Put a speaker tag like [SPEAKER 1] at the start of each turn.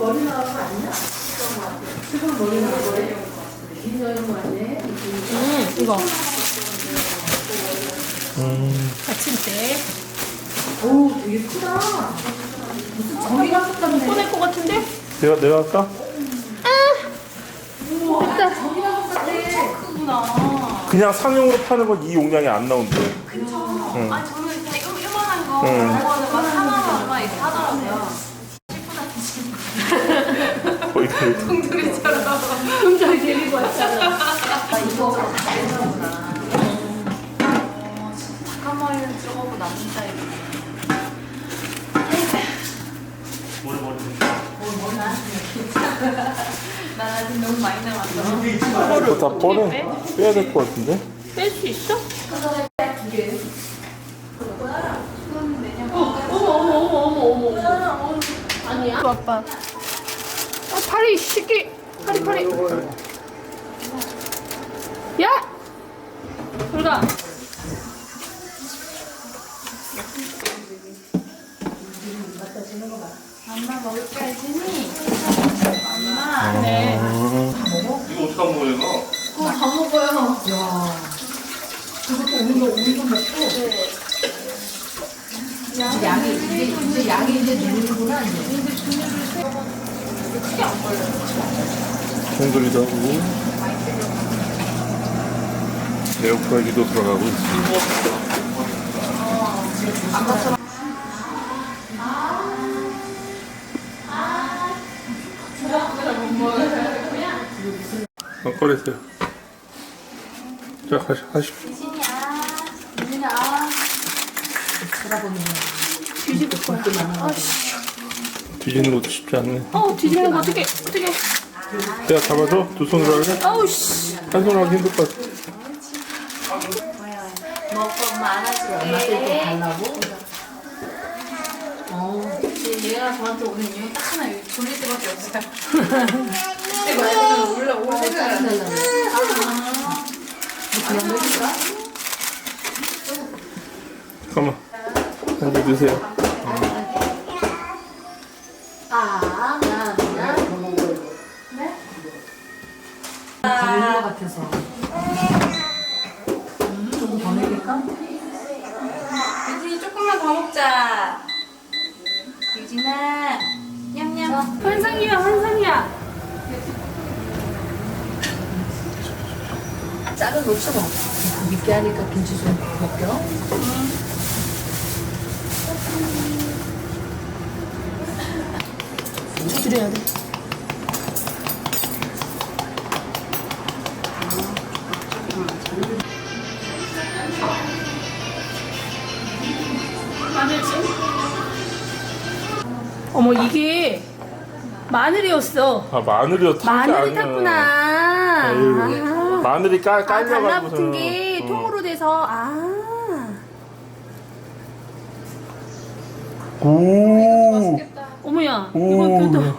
[SPEAKER 1] 이거. 아침때.
[SPEAKER 2] 오, 되게 크다. 무슨 저기 가서 같네.
[SPEAKER 1] 꺼낼 것 같은데?
[SPEAKER 3] 내가 할까?
[SPEAKER 1] 됐다.
[SPEAKER 2] 저기 가서 같아.
[SPEAKER 1] 크구나.
[SPEAKER 3] 그냥 상용으로 파는 건 이 용량이 안 나온대.
[SPEAKER 1] 아니 저는 그냥 요만한 거
[SPEAKER 3] 응.
[SPEAKER 1] 먹어도 막 4만 얼마 이렇게 하더라고요.
[SPEAKER 3] 거의 그
[SPEAKER 1] 동들이처럼. 동전이 데리고 왔잖아. 이거 알잖아. 닭한 마리는 들어가고 남는 사이에. 난 아직 너무 많이 남았어.
[SPEAKER 3] 이거 다 빼야 될 것 같은데?
[SPEAKER 1] 뺄 수 있어? 어머. 아니야? 아빠. 파리 시키. 파리. 야! 불가. 엄마 먹을 게 알지니? 엄마. 네.
[SPEAKER 3] 이거 어떻게 안 먹어요, 너?
[SPEAKER 1] 다 먹어요.
[SPEAKER 2] 그것도 오늘도 먹고. 양이 이제 양이 이제 누르는구나 이제.
[SPEAKER 1] 크게 안 걸려요.
[SPEAKER 3] 동글이도 하고 에어프라이기도 들어가고 있어. 꺼내세요. 자, 하십시오.
[SPEAKER 1] 뒤집을 거야.
[SPEAKER 3] 뒤지는 것도 쉽지 않네.
[SPEAKER 1] 뒤집는 거 어떻게.
[SPEAKER 3] 내가 잡아서 두 손으로 할래?
[SPEAKER 1] 아우, 씨.
[SPEAKER 3] 한 손으로 하기 힘들 것 같아.
[SPEAKER 1] 먹고 엄마 안아줄게.
[SPEAKER 2] 엄마한테 달라고?
[SPEAKER 1] 얘가 저한테 오는 이유 딱 하나, 여기 졸릴 때밖에 없어요. 근데 말고는 올라오고
[SPEAKER 2] 달라고. 그냥 먹을까?
[SPEAKER 3] 잠깐만. 한개 드세요.
[SPEAKER 2] 달릴 것 같아서. 조금 더 내릴까?
[SPEAKER 1] 유진이 조금만 더 먹자. 유진아, 냠냠. 환상이야.
[SPEAKER 2] 짝을 놓쳐 먹어. 밉게 하니까 김치 좀 벗겨.
[SPEAKER 1] 두드려야 돼. 마늘찜? 어머, 이게 마늘이었어.
[SPEAKER 3] 마늘이요.
[SPEAKER 1] 마늘이 탔구나.
[SPEAKER 3] 마늘이 깔려가지고.
[SPEAKER 1] 달라붙은 게 통으로 돼서,
[SPEAKER 3] 오.
[SPEAKER 1] 어머야,
[SPEAKER 3] 오.
[SPEAKER 1] 이건 또